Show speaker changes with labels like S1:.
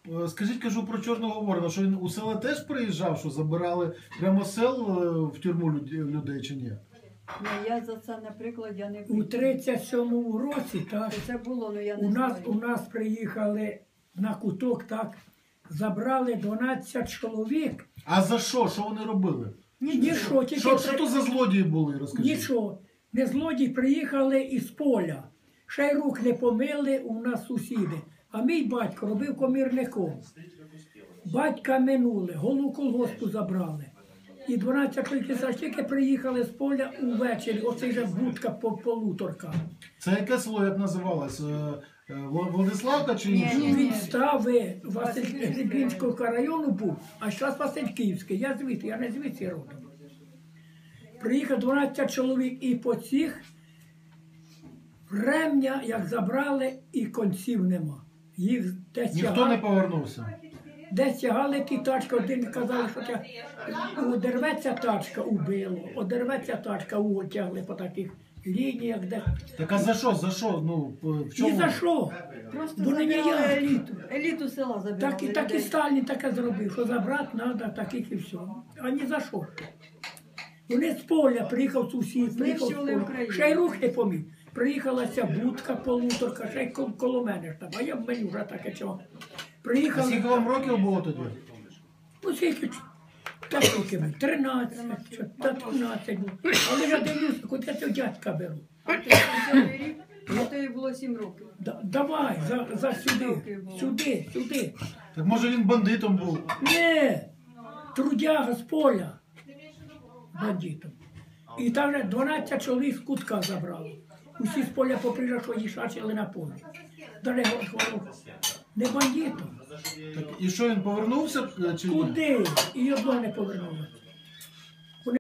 S1: скажіть, кажу про Чорного Ворона, що він у села теж приїжджав, що забирали прямо з сел в тюрму людей чи ні?
S2: Я за це, наприклад, я не
S3: У 37-му році, так,
S2: Це було, але я не
S3: у
S2: знаю.
S3: нас приїхали на куток, так, забрали 12 чоловік.
S1: А за що? Що вони робили?
S3: Нічого, тільки
S1: Що то за злодії були, розкажіть?
S3: нічого. Не злодії приїхали із поля. Ще й рук не помили у нас сусіди. А мій батько робив комірником. Батька минули, голову колгоспу забрали. І 12 чоловіків тільки приїхали з поля увечері. Оце вже будка по полуторка.
S1: Це яке село, як називалось? Владиславка чи інше?
S3: Від стави Васильківського району був, а зараз Васильківський. Я звідси, я не звідси родом. Приїхав 12 чоловік і по цих ремня, як забрали, і конців нема. Їх десь
S1: Ніхто не повернувся.
S3: десь тягали ті тачки, один казали, що одерветься тачка, убило, одерветься тачка, тягли по таких лініях, де...
S1: Так а за що? За що? Ну, в чому?
S3: І за що?
S2: Просто
S3: Вони не
S2: забирали
S3: я.
S2: еліту. Еліту села забирали.
S3: Так і
S2: людей.
S3: Сталін таке зробив, що забрати треба таких і все. А ні за що. Вони з поля, приїхав сусід, приїхав з
S2: Знищували
S3: поля.
S2: Україну.
S3: Ще й рух не поміг. Приїхала ця будка, полуторка, ще й коло мене ж там, а я в мене вже таке чого.
S1: А
S3: Приїхали,
S1: скільки вам років було тоді?
S3: ну скільки, так років, 13, 15 було. Але я дивлюся, куди я цього дядька беру.
S2: А то їй було 7 років.
S3: Давай, за сюди, сюди.
S1: Так може він бандитом був?
S3: Не, трудяга з поля бандитом. І там вже 12 чоловік з кутка забрали. Усі з поля поприїжджали, що їшачили на полі. Далі не бандитом.
S1: Так, і що він повернувся чи ні?
S3: Куди? І одного не повернулося.